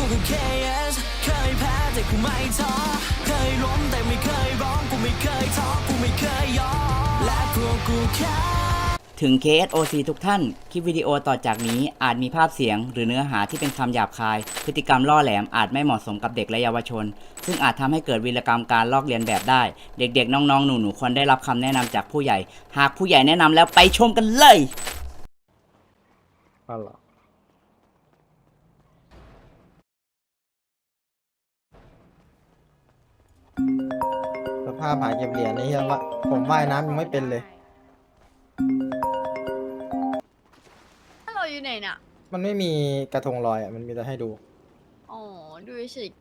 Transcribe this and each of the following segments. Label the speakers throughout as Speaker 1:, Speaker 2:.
Speaker 1: ก็ KS เคยแพ้แต่กูไม่ท้อเคยล้มแต่ไม่เคยร้องกูไม่เคยท้อกูไม่เคยยอมและพวกกูแค่ถึง KSOC ทุกท่าน คลิปวิดีโอต่อจากนี้อาจมีภาพเสียงหรือเนื้อหาที่เป็นคำหยาบคาย พฤติกรรมล่อแหลมอาจไม่เหมาะสมกับเด็กและเยาวชน ซึ่งอาจทำให้เกิดวีรกรรมการลอกเลียนแบบได้ เด็กๆ น้องๆ หนูๆ ควรได้รับคำแนะนำจากผู้ใหญ่ หากผู้ใหญ่แนะนำแล้วไปชมกันเลย
Speaker 2: อ๋อเหรอสภาพหาเก็บเหรียญนี่ยังว่าผมว่ายน้ำยังไม่เป็นเลย
Speaker 3: ถ้าเราอยู่ไหนน่ะ
Speaker 2: มันไม่มีกระทงลอยอ่ะ มันมีแต่ให้ดู
Speaker 3: อ๋อ ดูเฉย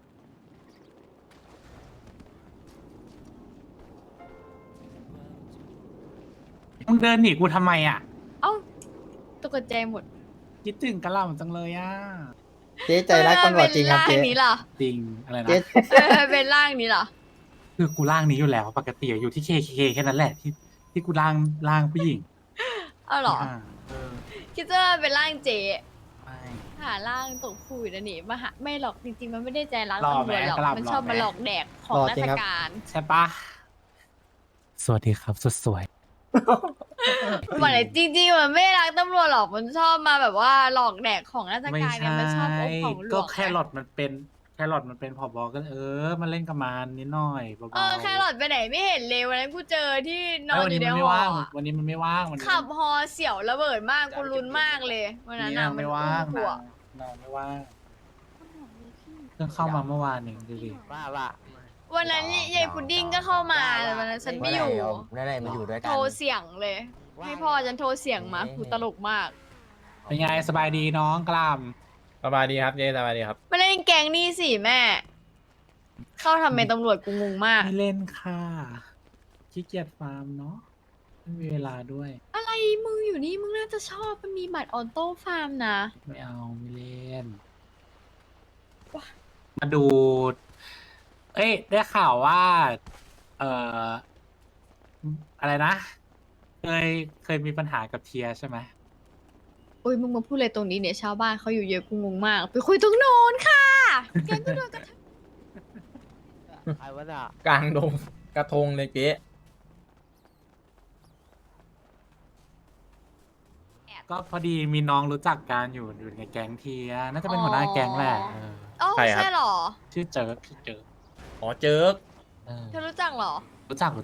Speaker 4: มึงเดินหนีกูทำไมอ่ะ
Speaker 3: เอ้าตกใจหมด
Speaker 4: คิดถึงกะหล่ำจังเลยอ่ะ
Speaker 2: เจ๊ใจรักตำรวจจริงครับเจ๊
Speaker 3: เป็นร่างนี้ล่ะ
Speaker 4: จริงอะไรนะ
Speaker 2: เจ๊
Speaker 3: เป็นร่างนี้ล่ะ
Speaker 4: คือกูร่างนี้อยู่แล้วปกติอยู่ที่เคแค่นั้นแหละที่กูร่างผู้หญิง
Speaker 3: เอาเหรอ
Speaker 4: ที่ห้าเออ
Speaker 3: คิดว่าเป็นร่างเจ๊
Speaker 4: ไม่
Speaker 3: หาร่างตกผู้อยู่นะนี่มาหาไม่หรอกจริงๆ มันไม่ได้ใจรัก
Speaker 4: หล่อ
Speaker 3: ตำรวจหรอก
Speaker 4: ไหมกะหล่ำ
Speaker 3: มันชอบ
Speaker 4: หล่อไหม
Speaker 3: มาหลอกแดกของราชการ
Speaker 4: ใช่ปะสวัสดีครับสุดสวย
Speaker 3: มันจริงๆ มันไม่รักตำรวจหรอก มันชอบมาแบบว่าหลอกแดกของราช
Speaker 4: ไม่
Speaker 3: การเนี่ย
Speaker 4: ใช่
Speaker 3: มันชอบโอ้ของหล
Speaker 4: ก็
Speaker 3: วง
Speaker 4: แค่หลอดมันเป็นผบก็มันเล่นกับมันนิดหน่อยเบาๆ
Speaker 3: แครอทไปไหนไม่เห็นเลยวันนั้นกูเจอที่นอ
Speaker 4: เอ้ย
Speaker 3: น
Speaker 4: วัน
Speaker 3: อ
Speaker 4: นี้
Speaker 3: ยู่ใน
Speaker 4: มันไม่
Speaker 3: หอ
Speaker 4: ว่าง
Speaker 3: อะ
Speaker 4: วันนี้มันไม่ว่างวันนี้
Speaker 3: ขับฮอเสี่ยวระเบิดมากกูลุ้นมากเลยวันนั้นน่ะ
Speaker 4: นาง
Speaker 3: มัน
Speaker 4: ไม่
Speaker 3: อุ้
Speaker 4: ว่าง
Speaker 3: มกูอะ
Speaker 4: นางไม่ว่างเพิ่งเข้ามาเมื่อวานเองดูดิ
Speaker 3: วันนั้นยายพุดดิ้งก็เข้ามาแต่วันนั้นฉันไม่อยู่
Speaker 5: นั่นแหละมาอยู่ด้วยกัน
Speaker 3: โทรเสียงเลย ให้พ่อฉันโทรเสียงมากูตลกมาก
Speaker 4: เป็นไงสบายดีน้องกล้าม
Speaker 2: สบายดีครับเจ๊สบายดีครับ
Speaker 3: มาเล่นแกงนี่สิแม่ เข้าทำเป็นตำรวจกูงงมาก
Speaker 4: ไม่เล่นค่ะขี้เกียจฟาร์มเนาะไม่มีเวลาด้วย
Speaker 3: อะไรมึงอยู่นี่มึงน่าจะชอบมันมีบัตรออโต้ฟาร์มนะ
Speaker 4: ไม่เอาไม่เล่น
Speaker 3: ว้า
Speaker 4: มาดู เอ้ยได้ข่าวว่า เอ่ออะไรนะเคยมีปัญหากับเทียใช่ไหม
Speaker 3: โอ้ยมึงมาพูดอะไรตรงนี้เนี่ยชาวบ้านเขาอยู่เยอะกูงงมาก ไปคุยตรงโน้นค่ะ แกงก็โดนกระทำ
Speaker 5: ใครวะน่ะ
Speaker 2: กลางดงกระทงเลยเจ๊
Speaker 4: ก็พอดีมีน้องรู้จักกันอยู่ในแก๊งเทียน่าจะเป็นหัวหน้าแก๊งแหละเออ
Speaker 3: อ๋อใช่เหรอ
Speaker 4: ชื่อเจิร์กชื่อเจิร์ก
Speaker 2: อ๋อเจิก
Speaker 4: เออ
Speaker 3: เธอรู้จักเหรอ
Speaker 4: รู้จัก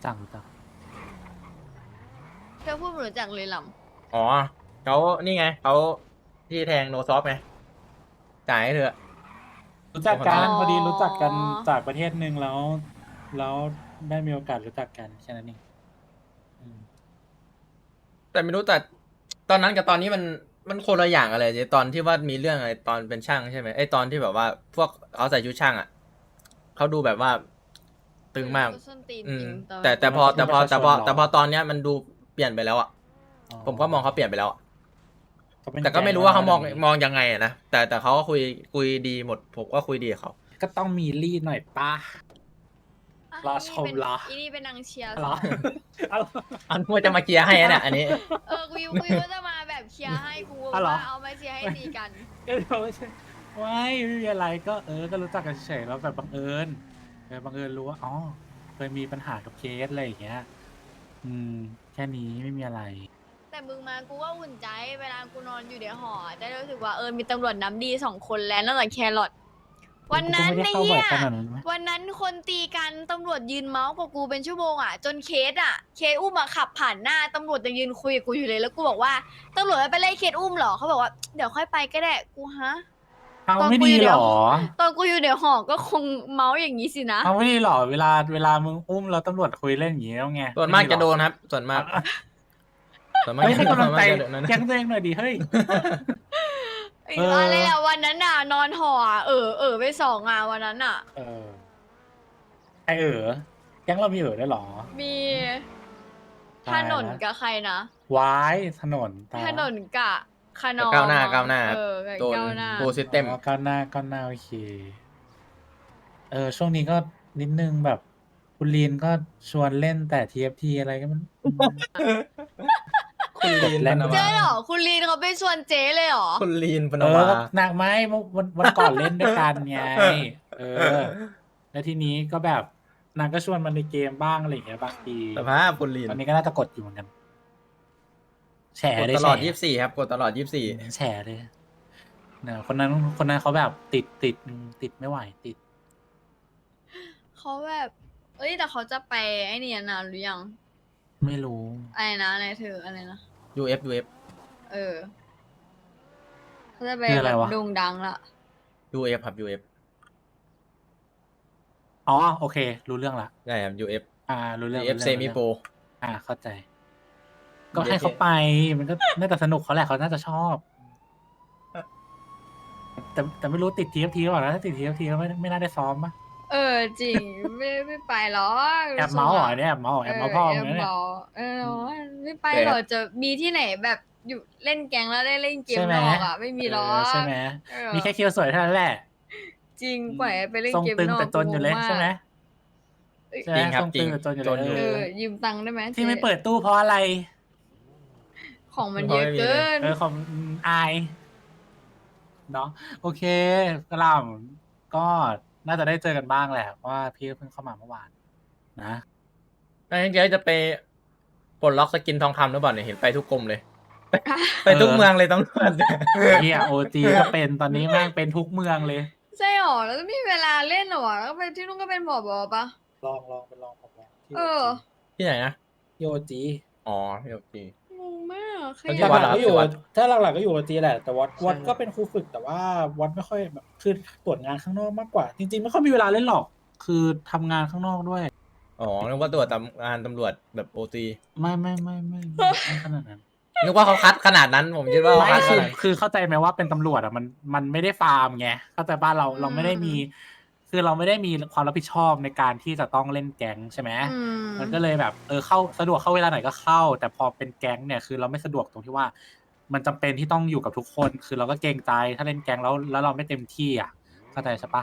Speaker 3: เธอพูดไม่รู้จักเลยล
Speaker 2: อ๋อเขานี่ไงเขาที่แทงโนซอฟไงจ่ายให้เธอ
Speaker 4: รู้จักกัน
Speaker 3: อ๋อ
Speaker 4: พอดีรู้จักกันจากประเทศหนึ่งแล้วได้มีโอกาสรู้จักกันแค่นั้นเองอืม
Speaker 2: แต่ไม่รู้แต่ตอนนั้นกับตอนนี้มันคนละอย่างอะไรเจ๊ตอนที่ว่ามีเรื่องอะไรตอนเป็นช่างใช่ไหมไอตอนที่แบบว่า พวกเขาใส่ชุดช่างอ่ะเขาดูแบบว่า
Speaker 3: ำ
Speaker 2: ตึงมาก
Speaker 3: ส้นตีน
Speaker 2: อื
Speaker 3: จ
Speaker 2: ม
Speaker 3: ริงตอน
Speaker 2: แต่พอตอนเนี้ยมันดูเปลี่ยนไปแล้วอ่ะ ผมก็มองเขาเปลี่ยนไปแล้วอะ
Speaker 4: เขาเป็น
Speaker 2: แต่ก็ไม่รู้ว่าเขามอง
Speaker 4: แก๊
Speaker 2: มองยังไงอะนะแต่เขาก็คุยดีหมด ผมก็คุยดีกับเขา
Speaker 4: ก็ต้องมีรีดหน่อยป้า
Speaker 3: ะ
Speaker 4: รอชมเหรอ
Speaker 3: อีนี่เป็นนางเชียร์
Speaker 4: เหรอ
Speaker 2: อันว่าจะมาเคลียร์ให้นะเนี่ยอันนี้
Speaker 3: กูยูว่าจะมาแบบเชียร์ให้กู
Speaker 4: อ๋อเหรอ
Speaker 3: ว่าเอามาเชียร์ให้ตีกัน
Speaker 4: ก็ไม่ใช่ไม่มีอะไรก็ก็รู้จักกันเฉยๆแล้วแบบบังเอิญบังเอิญรู้ว่าอ๋อเคยมีปัญหากับเคสอะไรอย่างเงี้ย แค่นี้ไม่มีอะไร
Speaker 3: แต่มึงมากูก็อุ่นใจเวลากูนอนอยู่ในหอจะได้รู้สึกว่ามีตำรวจน้ำดี2 คนแล้วนอกจากแครอทวันนั้น
Speaker 4: กูก็ไม่ได้เข้าบ่อยขนาดนั้นไหม
Speaker 3: วันนั้นคนตีกันตำรวจยืนเมาส์กับกูเป็นชั่วโมงอ่ะจนเคสอุ้มขับผ่านหน้าตำรวจยังยืนคุยกับกูอยู่เลยแล้วกูบอกว่าตำรวจไปไล่เคสอุ้มเหรอเขาบอกว่าเดี๋ยวค่อยไปก็ได้กูฮะ
Speaker 4: เอาไม่ดีหรอ
Speaker 3: ตอนกูอยู่ในหอก็คงเมาส์อย่างนี้สินะ
Speaker 4: เอาไม่ดีหรอเวลามึงอุ้มแล้วตำรวจคุยเล่นอย่างงี้แล้วไง
Speaker 2: ส่วนมากจะโดนครับ ส่วนมาก ส่วนมาก
Speaker 4: เฮ้ยให้กำลังใจ
Speaker 2: จะโดนนั้น
Speaker 4: แก๊งตัวเองหน่อยดิเฮ้ย เออ
Speaker 3: อะไรอะวันนั้นน่ะนอนหออะไป2 อ่ะวันนั้นอ่ะ
Speaker 4: เออใครแก๊งเรามีได้วยเหรอ
Speaker 3: มี
Speaker 4: ตาย
Speaker 3: ถ
Speaker 4: แล้ว
Speaker 3: นนกับใครนะ
Speaker 4: วายถนนตาย
Speaker 3: ถ
Speaker 4: แล้ว
Speaker 3: นนกับคานอ
Speaker 2: ก้าวหน้าก้าวหน้า
Speaker 3: กับ
Speaker 2: โดน
Speaker 3: ก้าวหน้า
Speaker 2: โปรซิสเต็ม
Speaker 4: อ๋อก้าวหน้าโอเค ช่วงนี้ก็นิดนึงแบบคุณลีนก็ชวนเล่นแต่ TFT อะไรก็มัน
Speaker 2: คุณลีน
Speaker 4: เล่
Speaker 2: ป
Speaker 4: น
Speaker 2: น
Speaker 3: เจ๊
Speaker 2: วา
Speaker 3: เหรอคุณลีนเขาไปชวนเจ๊เลยเหรอ
Speaker 2: คุณลีนปน
Speaker 4: เอ
Speaker 2: วา
Speaker 4: อหนักไหมวันก่อนเล่นด้วยกันไงเออ แล้วทีนี้ก็แบบนางก็ชวนมันในเกมบ้างอะไรอย่างเงี้ยบางที
Speaker 2: สภาพคุณลีน
Speaker 4: ตอนนี้ก็น่าจะกดอยู่เหมือนกันแฉ
Speaker 2: กด
Speaker 4: เลย
Speaker 2: ตลอด
Speaker 4: แฉ
Speaker 2: 24ครับกดตลอด
Speaker 4: แฉเลยเนี่ยคนนั้นเขาแบบติดไม่ไหวติด
Speaker 3: เขาแบบ เอ้ยแต่เขาจะไปไอ้นี่นานหรือยัง
Speaker 4: ไม่รู้
Speaker 3: อะไรนะอะไรเธออะไรนะ
Speaker 2: 24 UF
Speaker 3: เออเขาจะไป
Speaker 4: คืออะไร
Speaker 3: แบบ
Speaker 4: วะ
Speaker 3: โด่งดังละ
Speaker 2: UF ครับ UF
Speaker 4: อ๋อโอเค รู้เรื่องละ
Speaker 2: ใช่ครับ UF
Speaker 4: รู้เรื่อง
Speaker 2: UF
Speaker 4: รู้
Speaker 2: เซ
Speaker 4: เรื่อง
Speaker 2: มิ
Speaker 4: รู้
Speaker 2: โปร
Speaker 4: เรื่องเข้าใจ ก็ให้เขาไปมันก็น่าจะสนุกเขาแหละเขาน่าจะชอบ แต่ไม่รู้ติด TFT หรือเปล่านะถ้าติด TFT ก็ไม่น่าได้ซ้อมปะ
Speaker 3: เออจริง ไม่ไปหรอก
Speaker 4: แอบเมาส์เหรอเนี่ยแอบเมาส์เหรอแอบเมาส์พ่อมึง
Speaker 3: แอบ
Speaker 4: นะเนี่ย
Speaker 3: เมาส์ไม่ไปหรอกจะมีที่ไหนแบบอยู่เล่นแก๊งแล้วได้เล่นเกม
Speaker 4: ใช่ไหม
Speaker 3: นอกอ่ะไม่มีหรอก
Speaker 4: ใช่ไหม
Speaker 3: เออ
Speaker 4: มีแค่คิวสวยเท่านั้นแหละ
Speaker 3: จริงปล่อยให้ไปเล่น
Speaker 4: ทรง
Speaker 3: เกม
Speaker 4: ตึง
Speaker 3: นอก
Speaker 4: แต่จนอยู่เลย
Speaker 3: กูงงาก
Speaker 4: ใช่ไหม
Speaker 3: เอ้ย
Speaker 4: ใช่ไหม
Speaker 2: จริงครับ
Speaker 4: ทรงตึงแต่จนอยู่
Speaker 2: จนอยู่
Speaker 4: เลย
Speaker 3: ยืมตังค์ได้ไหม
Speaker 4: ที่ไม่
Speaker 3: จ๊
Speaker 4: เปิดตู้เพราะอะไร
Speaker 3: ของมันเยอะเกิน
Speaker 4: ของอายเนาะโอเคกระหลำก็น่าจะได้เจอกันบ้างแหละเพราะว่าพี่เพิ่งเข้ามาเมื่อวานนะ
Speaker 2: ไม่งั้นเจ๊จะไปปลดล็อกสกินทองคำหรือเปล่าเนี่ยเห็นไปทุกกรมเลย ไปทุกเมืองเลยต้อง
Speaker 4: เฮียโอจีก็เป็นตอนนี้แม่งเป็นทุกเมืองเลย
Speaker 3: ใช่หรอแล้วไม่มีเวลาเล่นหรอวะแล้วไปที่นู่นก็เป็นหมอบอปะ
Speaker 4: ลองไปลองผมลอง
Speaker 3: เออ
Speaker 2: ที่ไหนนะ
Speaker 4: โอจี
Speaker 2: อ๋อที่โอเค
Speaker 3: งงมากใคร
Speaker 2: แล้วที่
Speaker 3: อยาก
Speaker 2: วัด
Speaker 6: หลั
Speaker 2: อะ
Speaker 6: กๆก็อยู่
Speaker 2: วัด
Speaker 6: ถ้าหลักๆก็อยู่โอจีแหละ แต่วัด
Speaker 2: ใช่
Speaker 6: วัดก็เป็นครูฝึกแต่ว่าวัดไม่ค่อยแบบคือตรวจงานข้างนอกมากกว่า จริงๆไม่ค่อยมีเวลาเล่นหรอก คือทำงานข้างนอกด้วย
Speaker 2: อ๋อนึกว่าตรวจตามงานตำรวจแบบโอตี
Speaker 4: ไม่ขนาดนั้น
Speaker 2: นึกว่าเขาคัดขนาดนั้นผมคิดว่าเขา
Speaker 4: ไม่
Speaker 2: คัดขนาด
Speaker 4: คือเข้าใจไหมว่าเป็นตำรวจอ่ะมันไม่ได้ฟาร์มไงเข้าใจป่ะเราไม่ได้มี คือเราไม่ได้มีความรับผิดชอบในการที่จะต้องเล่นแก๊งใช่ไหม
Speaker 3: อืม
Speaker 4: มันก็เลยแบบเข้าสะดวกเข้าเวลาไหนก็เข้า แต่พอเป็นแก๊งเนี่ยคือเราไม่สะดวกตรงที่ว่า มันจำเป็นที่ต้องอยู่กับทุกคน คือเราก็เกรงใจถ้าเล่นแก๊งแล้วเราไม่เต็มที่อ่ะเข้าใจใช่ปะ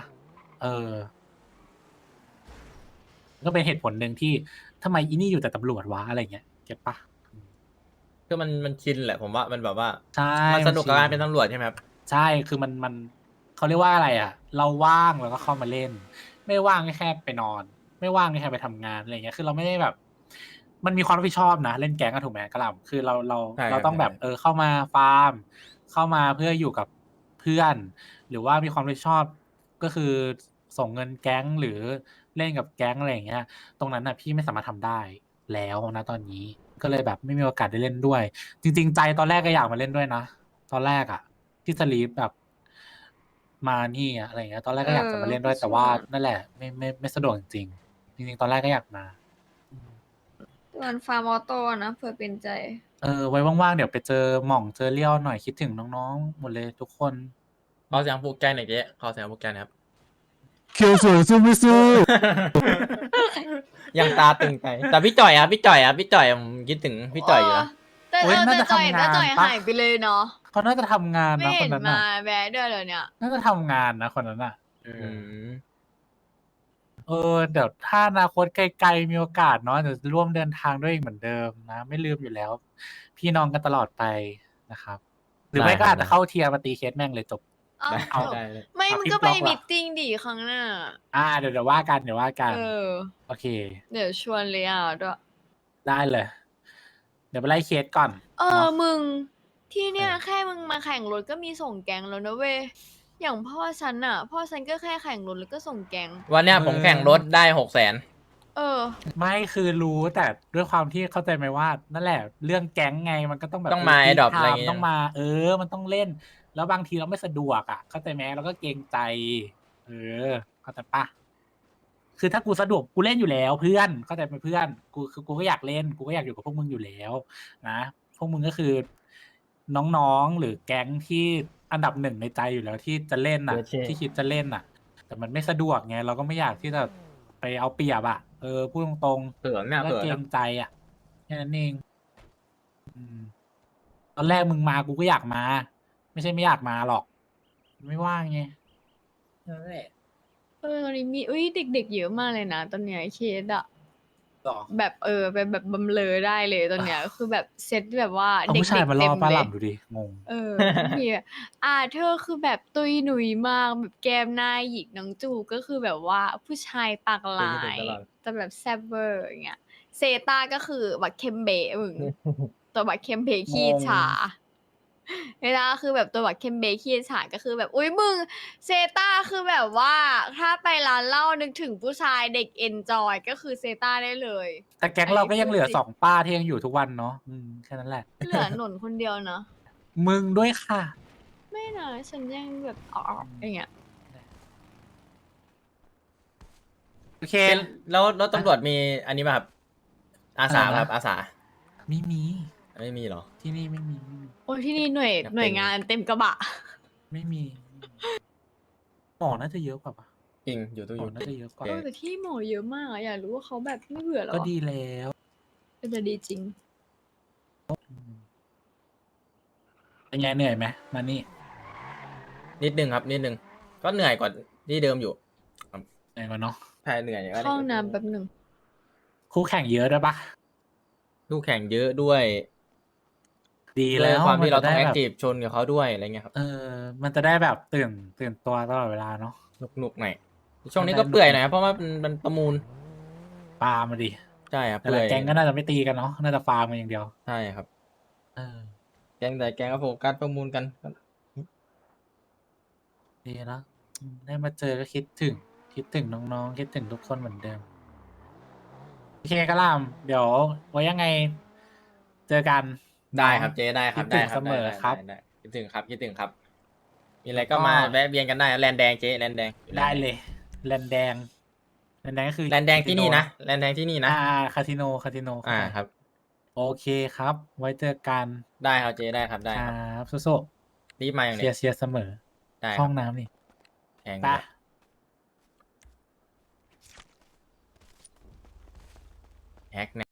Speaker 4: ก็เป็นเหตุผลหนึ่งที่ทำไมอีนี่อยู่แต่ตำรวจวะอะไรเงี้ยเก็ตปะ
Speaker 2: คือมันชินแหละผมว่ามันแบบว่า
Speaker 4: ใช่
Speaker 2: มันสนุกกับการเป็นตำรวจใช่ไหมครับ
Speaker 4: ใช่คือมันเขาเรียกว่าอะไรอ่ะ เราว่างเราก็เข้ามาเล่น ไม่ว่างก็แค่ไปนอน ไม่ว่างก็แค่ไปทำงานอะไรเงี้ยคือเราไม่ได้แบบ มันมีความรับผิดชอบนะเล่นแก๊งก็ถูกไหมกระหล่ำคือเรา
Speaker 2: ใช่ครับ
Speaker 4: เราต้องแบบเข้ามาฟาร์ม เข้ามาเพื่ออยู่กับเพื่อน หรือว่ามีความรับผิดชอบก็คือส่งเงินแก๊งหรือเล่นกับแก๊งอะไรอย่างเงี้ย ตรงนั้นน่ะพี่ไม่สามารถทำได้แล้วนะตอนนี้ก็เลยแบบไม่มีโอกาสได้เล่นด้วย จริง ๆ ใจตอนแรกก็อยากมาเล่นด้วยนะตอนแรกอ่ะที่สลีปแบบมานี่อะอะไรอย่างเงี้ย ตอนแรกก็อยากจะมาเล่นด้วย แต่ว่านั่นแหละไม่สะดวกจริงๆจริงๆตอนแรกก็อยากมา
Speaker 3: มันฟาร์มออโต้นะเผื่อเป็นใจ
Speaker 4: ไว้ว่างๆเดี๋ยวไปเจอหม่องเจอเลี้ยวหน่อยคิดถึงน้องๆหมดเลยทุกคน
Speaker 2: ขอเสียงปลุกใจหน่อยเจ๊ขอเสียงปลุกใจหนะครับ
Speaker 6: เคียวสวยสู้ไม่สู้
Speaker 2: ยังตาตึงใจแต่พี่จ่อยอะพี่จ่อยผมคิดถึงพี่จ่อยอยู่นะ
Speaker 3: แต่
Speaker 4: โอ๊ยน่าจะ
Speaker 3: จ่อย
Speaker 4: ทำงาน
Speaker 3: จ่อย
Speaker 4: ปะ
Speaker 3: หายไปเลยเนาะ
Speaker 4: เขาน่าจะทำงาน
Speaker 3: ไม่
Speaker 4: นะค
Speaker 3: เห็
Speaker 4: น
Speaker 3: น
Speaker 4: นั้น
Speaker 3: มา
Speaker 4: น่ะ
Speaker 3: แวะด้วยเลยเนี่ย
Speaker 4: น่าจะทำงานนะคนนั้นอ่ะ
Speaker 2: อืม
Speaker 4: เดี๋ยวถ้าอนาคตไกลๆมีโอกาสเนาะเดี๋ยวจะร่วมเดินทางด้วยอีกเหมือนเดิมนะ ไม่ลืมอยู่แล้ว พี่น้องกันตลอดไปนะครับ หรือไม่ก็อาจจะเข้าเทียร์มาตีเคสแม่งเลยจบ
Speaker 3: เอ้า
Speaker 2: ได้
Speaker 4: เอา
Speaker 2: ได้เลย
Speaker 3: ไม่
Speaker 4: เอา
Speaker 3: มึง
Speaker 4: คลิป
Speaker 3: ก็ไป
Speaker 4: บล็อกว่ะ
Speaker 3: มิทติ้งดีครั้งหน้า
Speaker 4: เดี๋ยวว่ากันเดี๋ยวว่ากัน
Speaker 3: เออ
Speaker 4: โอเค
Speaker 3: เดี๋ยวชวนเลยอ่ะด้วย
Speaker 4: ได้เลย เดี๋ยวไปไล่เคสก่อน
Speaker 3: เออ
Speaker 4: เนาะ
Speaker 3: มึงที่เนี่ย
Speaker 4: เออ
Speaker 3: แค่มึงมาแข่งรถก็มีส่งแกงแล้วนะเว้ยอย่างพ่อฉันอ่ะ พ่อฉันก็แค่แข่งรถแล้วก็ส่งแกง
Speaker 2: วันเนี้ยผมแข่งรถได้600,000
Speaker 3: เออ
Speaker 4: ไม่คือรู้แต่ด้วยความที่เข้าใจไหมว่า นั่นแหละ เรื่องแก๊งไงมันก็ต้องแบบ
Speaker 2: ต้องมา
Speaker 4: ที่
Speaker 2: adopt
Speaker 4: ทำ
Speaker 2: อะไรอย่างเงี้ย
Speaker 4: ต้องมา มันต้องเล่น แล้วบางทีเราไม่สะดวกอ่ะ เข้าใจไหมเราก็เกรงใจ เข้าใจปะคือถ้ากูสะดวกกูเล่นอยู่แล้ว เพื่อนเข้าใจไหมเพื่อนกูก็อยากเล่นกูก็อยากอยู่กับพวกมึงอยู่แล้ว นะพวกมึงก็คือ น้องๆหรือแก๊งที่อันดับหนึ่งในใจอยู่แล้วที่จะเล่นอ่ะ ที่คิดจะเล่นอ่ะ แต่มันไม่สะดวกไงเราก็ไม่อยากที่จะไปเอาเปรียบอ่ะพูดตรงๆ
Speaker 2: เขินเนี่ย
Speaker 4: แล้ว
Speaker 2: เขิน
Speaker 4: เกร
Speaker 2: นะ
Speaker 4: งใจอ่ะแค่นั้นเองตอนแรกมึงมากูก็อยากมา ไม่ใช่ไม่อยากมาหรอก ไม่ว่างไงนั่นแหละ
Speaker 3: ตอนนี้มีเอ้ยเด็กๆเยอะมากเลยนะตอนเนี้ยเคสอ่ะ
Speaker 4: ต่อ
Speaker 3: แบบเป็นแบบบำเรอได้เลยตอนเนี้ย คือแบบเซตแบบว่า
Speaker 4: เอา
Speaker 3: เด็ก
Speaker 4: ผู้ชาย
Speaker 3: ๆ
Speaker 4: มา
Speaker 3: เต็
Speaker 4: ล่อ
Speaker 3: ม
Speaker 4: ป้า
Speaker 3: เล
Speaker 4: ห
Speaker 3: ย
Speaker 4: ล่ำดูดิงง
Speaker 3: พี่อะเธอคือแบบตุยหนุยมากแบบแก้มหน้าหยิกน้องจูก็คือแบบว่าผู้ชายปากหลา
Speaker 2: เป็น
Speaker 3: ย
Speaker 2: ตลอด
Speaker 3: แต่แบบแซ่บเวอร์อย่างเงี้ยเซต้าก็คือบักเคมเบะมึง ตัวบักเคมเบะขี้ฉาเวลาคือแบบตัวบักเคมเบะขี้ฉาก็คือแบบอุ้ยมึงเซต้าคือแบบว่าถ้าไปร้านเหล้านึกถึงผู้ชายเด็กเอนจอยก็คือเซต้าได้เลย
Speaker 4: แต่แก๊งเราก็ยังเหลือ2ป้าที่ยังอยู่ทุกวันเนาะแค่นั้นแหละ
Speaker 3: เหลือหนนคนเดียวเนาะ
Speaker 4: มึงด้วยค่ะ
Speaker 3: ไม่นะฉันยังแบบอ๋ออย่างเงี้ย
Speaker 4: โอเค
Speaker 2: แล้วตำรวจมีอันนี้ป่ะครับ อาสา
Speaker 4: อะไรนะ
Speaker 2: ป่ะครับอาสา
Speaker 4: ไม่มี
Speaker 2: ไม่มีเหรอ
Speaker 4: ที่นี่ไม่มี
Speaker 3: โอ้ยที่นี่หน่วย
Speaker 2: อยากเป็น
Speaker 3: หน่วยงานเต็มกระบะ
Speaker 4: ไม่มีหมอน่าจะเยอะกว่าปะ
Speaker 2: จริงอยู่ตู้
Speaker 4: ห
Speaker 2: อ
Speaker 4: มอยู่ น่าจะเยอะกว่า
Speaker 3: แต่ที่หมอเยอะมากอะอยากรู้ว่าเขาแบบไม่เบื่อหรอ
Speaker 4: ก็ดีแล้ว
Speaker 3: จะดีจริง
Speaker 4: เป็นไงเหนื่อยไหมมานี่
Speaker 2: นิดนึงครับ นิดนึง ก็เหนื่อยกว่าที่เดิมอยู่
Speaker 4: เหนื่อยกว่าเนาะ
Speaker 2: ใช่เหนื่อย
Speaker 3: เข้าห้องน้ำแป๊บหนึ่ง
Speaker 4: คู่แข่งเยอะด้วยปะ
Speaker 2: ลูกแข่งเยอะด้วย
Speaker 4: ดี
Speaker 2: ด้ว
Speaker 4: แล้
Speaker 2: ยว ความที่เราต้อง
Speaker 4: มัน
Speaker 2: แอ
Speaker 4: จะ
Speaker 2: ค
Speaker 4: ได้
Speaker 2: ทีฟ
Speaker 4: แบบ
Speaker 2: ชนกับเขาด้วยอะไรเงี้ยครับ
Speaker 4: มันจะได้แบบตื่นตัวตลอดเวลาเนาะ
Speaker 2: หนุกๆหน่อยช่วงนี้ก็เปื่อยหน่อยครับเพราะว่ามันประมูล
Speaker 4: ปามาดิ
Speaker 2: ใช่ครับ
Speaker 4: แต่
Speaker 2: เปื่
Speaker 4: ละ
Speaker 2: อย
Speaker 4: แก๊งก็น่าจะไม่ตีกันเนาะ น่าจะฟาร์มกันอย่างเดียว
Speaker 2: ใช่ครับ
Speaker 4: เออ
Speaker 2: แกงก็โฟกัสประมูลกัน
Speaker 4: ดีแล้วได้มาเจอก็คิดถึงน้องๆ คิดถึงทุกคนเหมือนเดิม โอเคกะหล่ำเดี๋ยวไว้ยังไง เจอกัน
Speaker 2: ได้ครับเจ๊ได้ครับ
Speaker 4: คิดถึง
Speaker 2: ได้ครับ
Speaker 4: เสมอ
Speaker 2: ได้
Speaker 4: ครับ
Speaker 2: ได้คิดถึงครับคิดถึงครับ มีอะไร
Speaker 4: แล้วก็
Speaker 2: ก็มาแวะเวียนกันได้แลนแดงเจ๊แลนแดง
Speaker 4: ได้เลยแลนแดงก็คือ
Speaker 2: แลนแดงที่นี่นะแลนแดงที่นี่นะ
Speaker 4: คาสิโน
Speaker 2: ครับ
Speaker 4: โอเคครับ ไว้เจอกัน
Speaker 2: ได้ครับเจ๊ได้ครับได้
Speaker 4: ค
Speaker 2: ค
Speaker 4: รั
Speaker 2: รับบ
Speaker 4: สู้
Speaker 2: รีบมาอย่าง
Speaker 4: ๆ
Speaker 2: เนี้ย
Speaker 4: เชียร์เสมอ
Speaker 2: ได้ค
Speaker 4: ห้
Speaker 2: รั
Speaker 4: อบ งน้ำนี่
Speaker 2: แพง
Speaker 4: ไป
Speaker 2: เลยแฮกนะ